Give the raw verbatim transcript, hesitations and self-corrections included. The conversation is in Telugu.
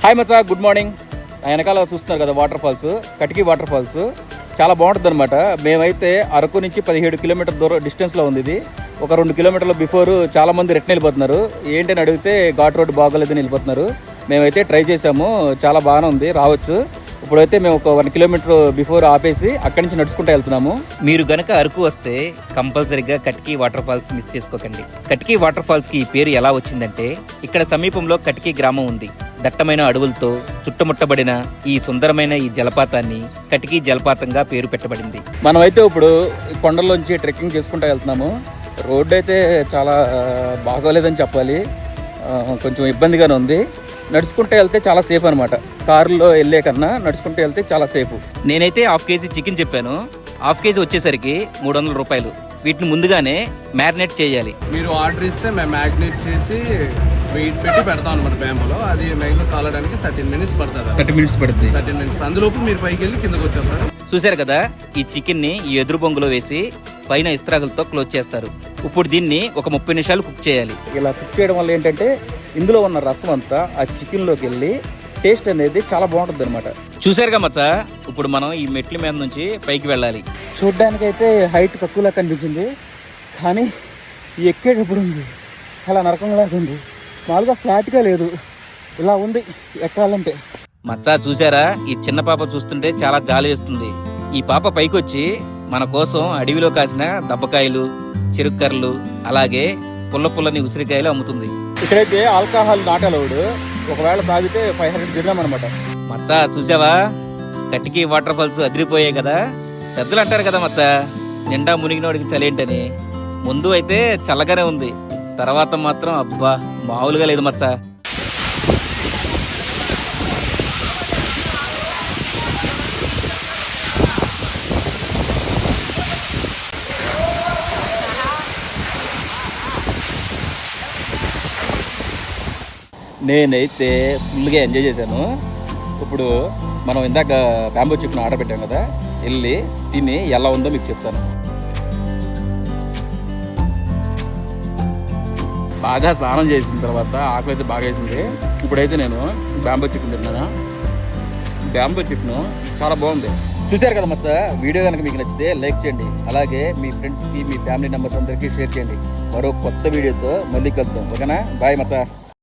హాయ్ మచ్చా, గుడ్ మార్నింగ్. వెనకాల చూస్తున్నారు కదా water falls, Katiki water falls. చాలా బాగుంటుంది అనమాట. మేమైతే అరకు నుంచి పదిహేడు కిలోమీటర్ దూరం డిస్టెన్స్లో ఉంది ఇది. ఒక రెండు కిలోమీటర్ల బిఫోర్ చాలామంది రిటర్న్ వెళ్ళిపోతున్నారు. ఏంటని అడిగితే ఘాట్ రోడ్ బాగోలేదని వెళ్ళిపోతున్నారు. మేమైతే ట్రై చేసాము, చాలా బాగానే ఉంది, రావచ్చు. ఇప్పుడైతే మేము ఒక వన్ కిలోమీటర్ బిఫోర్ ఆపేసి అక్కడి నుంచి నడుచుకుంటూ వెళ్తున్నాము. మీరు గనక అరకు వస్తే కంపల్సరీగా కటికీ వాటర్ ఫాల్స్ మిస్ చేసుకోకండి. కటికీ వాటర్ ఫాల్స్ కి ఈ పేరు ఎలా వచ్చిందంటే, ఇక్కడ సమీపంలో కటికీ గ్రామం ఉంది. దట్టమైన అడవులతో చుట్టుముట్టబడిన ఈ సుందరమైన ఈ జలపాతాన్ని కటికీ జలపాతంగా పేరు పెట్టబడింది. మనమైతే ఇప్పుడు కొండల్లోంచి ట్రెక్కింగ్ చేసుకుంటూ వెళ్తున్నాము. రోడ్డు అయితే చాలా బాగోలేదని చెప్పాలి, కొంచెం ఇబ్బందిగానే ఉంది. నడుచుకుంటూ వెళ్తే చాలా సేఫ్ అనమాట. కారులో వెళ్ళే కన్నా నడుచుకుంటూ వెళ్తే చాలా సేఫ్. నేనైతే హాఫ్ కేజీ చికెన్ చెప్పాను. హాఫ్ కేజీ వచ్చేసరికి మూడు వందల రూపాయలు. వీటిని ముందుగానే మ్యారినేట్ చేయాలి. మీరు ఆర్డర్ ఇస్తే మేము మ్యారినేట్ చేసి వెయిట్ పెట్టి పెడతాం అనమాట బ్యాంబులో. అది మైలో కాలడానికి థర్టీన్ మినిట్స్ పడుతుంది. థర్టీ మినిట్స్ పడుతుంది థర్టీన్ మినిట్స్ అందులోపు మీరు పైకి వెళ్ళి కిందకు వచ్చేస్తారు. చూశారు కదా, ఈ చికెన్ ని ఈ ఎదురు బొంగులో వేసి పైన ఇస్త్రాగులతో క్లోజ్ చేస్తారు. ఇప్పుడు దీన్ని ఒక ముప్పై నిమిషాలు కుక్ చేయాలి. ఇలా కుక్ చేయడం వల్ల ఏంటంటే ఇందులో ఉన్న రసం అంతా ఆ చికెన్లోకి వెళ్ళి టేస్ట్ అనేది చాలా బాగుంటుంది అనమాట. చూసారుగా మచ్చా, ఇప్పుడు మనం ఈ మెట్ల మీద నుంచి పైకి వెళ్ళాలి. చూడ్డానికైతే హైట్ తక్కువలా కనిపించింది, కానీ ఈ ఎక్కేటప్పుడు ఉంది చాలా నరకంగా ఉంది. మామూలుగా ఫ్లాట్గా లేదు, ఇలా ఉంది ఎక్కాలంటే. మచ్చా చూసారా, ఈ చిన్న పాప చూస్తుంటే చాలా జాలి వేస్తుంది. ఈ పాప పైకి వచ్చి మన కోసం అడవిలో కాసిన దబ్బకాయలు, చెరుక్కర్రలు, అలాగే పుల్ల పుల్లని ఉసిరికాయలు అమ్ముతుంది. ఇక్కడైతే ఆల్కహాల్ నాట్ అలౌడ్. ఒకవేళ తాగితే ఫైవ్ హండ్రెడ్ దిర్హాం అనమాట. మచ్చా చూసావా, కటికీ వాటర్ ఫాల్స్ అదిరిపోయాయి కదా. పెద్దలు అంటారు కదా మచ్చా, నిండా మునిగినోడికి చలేంటని. ముందు అయితే చల్లగానే ఉంది, తర్వాత మాత్రం అబ్బా మామూలుగా లేదు మచ్చా. నేనైతే ఫుల్గా ఎంజాయ్ చేశాను. ఇప్పుడు మనం ఇందాక బ్యాంబూ చికెన్ ఆర్డర్ పెట్టాం కదా, వెళ్ళి తిని ఎలా ఉందో మీకు చెప్తాను. బాగా స్నానం చేసిన తర్వాత ఆకలి అయితే బాగా వేసింది. ఇప్పుడైతే నేను బ్యాంబూ చికెన్ తిన్నాను. బ్యాంబూ చికెన్ చాలా బాగుంది. చూశారు కదా మచ్చా, వీడియో కనుక మీకు నచ్చితే లైక్ చేయండి, అలాగే మీ ఫ్రెండ్స్కి మీ ఫ్యామిలీ మెంబర్స్ అందరికీ షేర్ చేయండి. మరో కొత్త వీడియోతో మళ్ళీ కలుద్దాం, ఓకేనా? బాయ్ మచ్చా.